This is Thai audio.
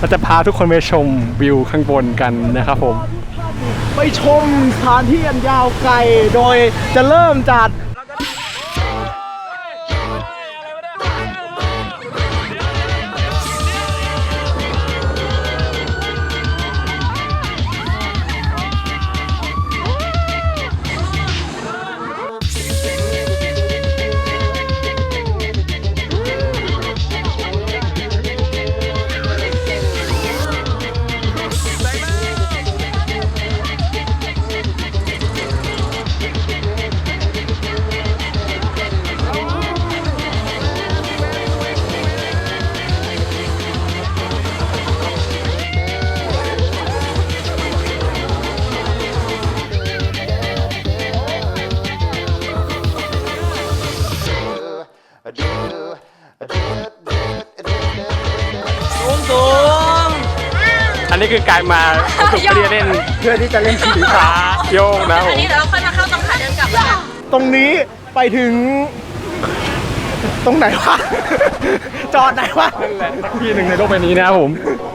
เราจะพาทุกคนไปชมวิวข้างบนกันนะครับผมไปชมสถานที่อันยาวไกลโดยจะเริ่มจากสูงอันนี้คือการมาฝึกเรียนเล่นเพื่อที่จะเล่นขี่ช้าโยกนะผอันมนี้เดี๋ยวเราค่อยมาเข้าตรงขาเดินกลับแล้วกันตรงนี้ไปถึงตรงไหนวะ จอดไหนวะนั่นแหละที่หนึ่งในโลกใบนี้นะครับผม